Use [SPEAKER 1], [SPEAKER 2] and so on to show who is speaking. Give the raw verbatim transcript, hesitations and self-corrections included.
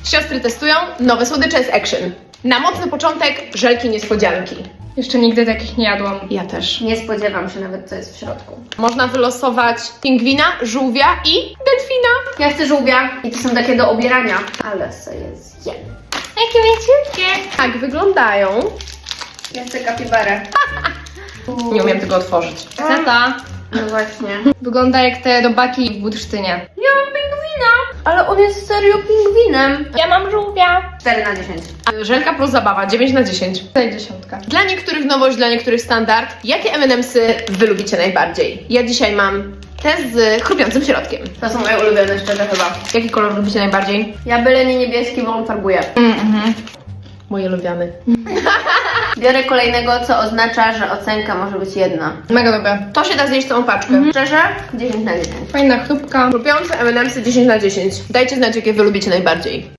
[SPEAKER 1] Siostry testują nowe słodycze z Action. Na mocny początek żelki niespodzianki.
[SPEAKER 2] Jeszcze nigdy takich nie jadłam.
[SPEAKER 1] Ja też.
[SPEAKER 3] Nie spodziewam się nawet, co jest w środku.
[SPEAKER 1] Można wylosować pingwina, żółwia i delfina.
[SPEAKER 3] Ja chcę żółwia i to są takie do obierania, ale sobie zjem.
[SPEAKER 2] Jakie mięciutkie.
[SPEAKER 1] Tak wyglądają.
[SPEAKER 3] Ja chcę kapibarę.
[SPEAKER 1] Nie umiem tego otworzyć.
[SPEAKER 2] Chcę ta.
[SPEAKER 3] No właśnie.
[SPEAKER 2] Wygląda jak te robaki w Budsztynie.
[SPEAKER 3] Ja mam pingwina, ale on jest serio pingwinem.
[SPEAKER 2] Ja mam żółwia.
[SPEAKER 3] cztery na dziesięć.
[SPEAKER 1] Żelka plus zabawa, dziewięć na dziesięć.
[SPEAKER 2] Tutaj dziesiątka.
[SPEAKER 1] Dla niektórych nowość, dla niektórych standard. Jakie em and emsy wy lubicie najbardziej? Ja dzisiaj mam te z chrupiącym środkiem.
[SPEAKER 3] To są moje ulubione szczerze chyba.
[SPEAKER 1] Jaki kolor lubicie najbardziej?
[SPEAKER 3] Ja byle nie niebieski, bo on farbuje.
[SPEAKER 2] Mhm.
[SPEAKER 1] Moje ulubiony.
[SPEAKER 3] Biorę kolejnego, co oznacza, że ocenka może być jedna.
[SPEAKER 2] Mega dobre.
[SPEAKER 1] To się da zjeść całą paczkę.
[SPEAKER 3] Szczerze? dziesięć na dziesięć.
[SPEAKER 2] Fajna chrupka.
[SPEAKER 1] Chrupiące em and emsy dziesięć na dziesięć. Dajcie znać, jakie wy lubicie najbardziej.